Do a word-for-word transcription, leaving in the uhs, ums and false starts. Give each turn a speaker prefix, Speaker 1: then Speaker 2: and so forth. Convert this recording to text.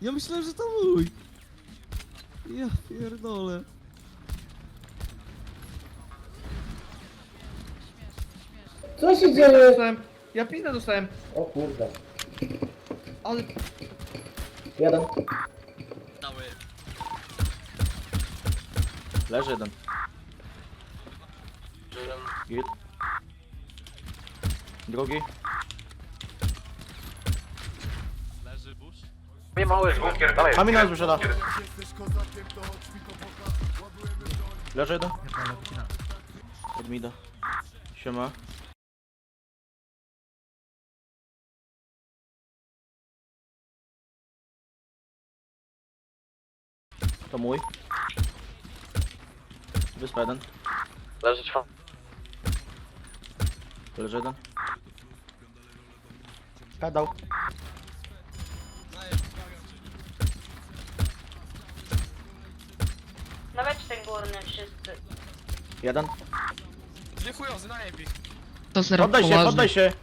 Speaker 1: Ja myślałem, że to mój. Ja pierdolę.
Speaker 2: Co się
Speaker 3: Pizdę
Speaker 2: dzieje?
Speaker 3: dostałem. Ja pizdę dostałem.
Speaker 2: O kurde.
Speaker 3: Ale...
Speaker 2: Jeden.
Speaker 4: Dały.
Speaker 5: Leży jeden. Git. Drugi.
Speaker 4: Leży busz.
Speaker 6: Nie mały bunkier, dalej.
Speaker 5: Kamień nas wyszedł. Leży jeden. Od mida. Siema. To mój. Wyspa jeden.
Speaker 6: Leży czwa.
Speaker 5: Leży jeden. Pedał.
Speaker 7: Nawet ten górny wszyscy.
Speaker 5: Jeden.
Speaker 4: Dwie chujozy, najebie.
Speaker 8: To zero
Speaker 5: Poddaj się,
Speaker 8: poważnie.
Speaker 5: poddaj się.